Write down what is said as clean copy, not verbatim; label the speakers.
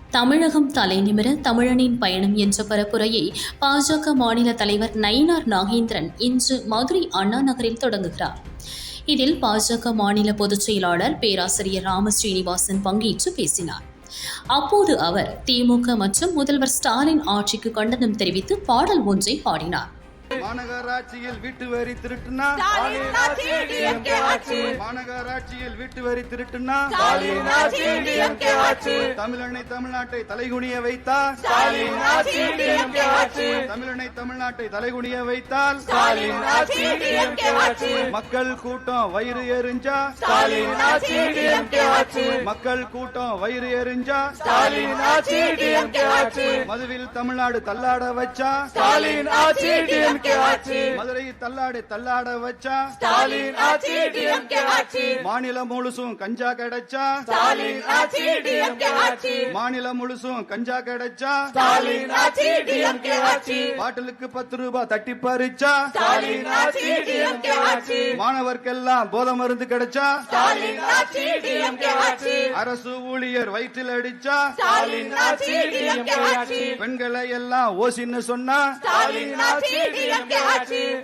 Speaker 1: தமிழகம் தலைநிமிர தமிழனின் பயணம் என்ற பரப்புரையை பாஜக மாநில தலைவர் நயினார் நாகேந்திரன் இன்று மதுரை அண்ணா நகரில் தொடங்குகிறார். இதில் பாஜக மாநில பொதுச் செயலாளர் பேராசிரியர் ராம ஸ்ரீனிவாசன் பங்கேற்று பேசினார். அப்போது அவர் திமுக மற்றும் முதல்வர் ஸ்டாலின் ஆட்சிக்கு கண்டனம் தெரிவித்து பாடல் ஒன்றை பாடினார்.
Speaker 2: மாநகராட்சியில் வீட்டு வரி திருட்டுனா, மாநகராட்சியில் வீட்டு வரி திருட்டுனா, தமிழனை தமிழ்நாட்டை தலைகுனிய வைத்தால், தமிழனை தமிழ்நாட்டை தலைகுனிய வைத்தால், மக்கள் கூட்டம் வயிறு எரிஞ்சா, மக்கள் கூட்டம் வயிறு எரிஞ்சா, மதுவில் தமிழ்நாடு தள்ளாட வச்சா, மதுரை தள்ளாட வச்சா, மாநிலம் முழுசும் கஞ்சா கிடைச்சா, மாநிலம் முழுசும் கஞ்சா கிடைச்சா, பாட்டிலுக்கு 10 ரூபாய் தட்டி பறிச்சா, மாணவர்க்கெல்லாம் போதை மருந்து கிடைச்சா, அரசு ஊழியர் வயிற்றில் அடிச்சா, பெண்களை எல்லாம் ஓசின்னு சொன்னா,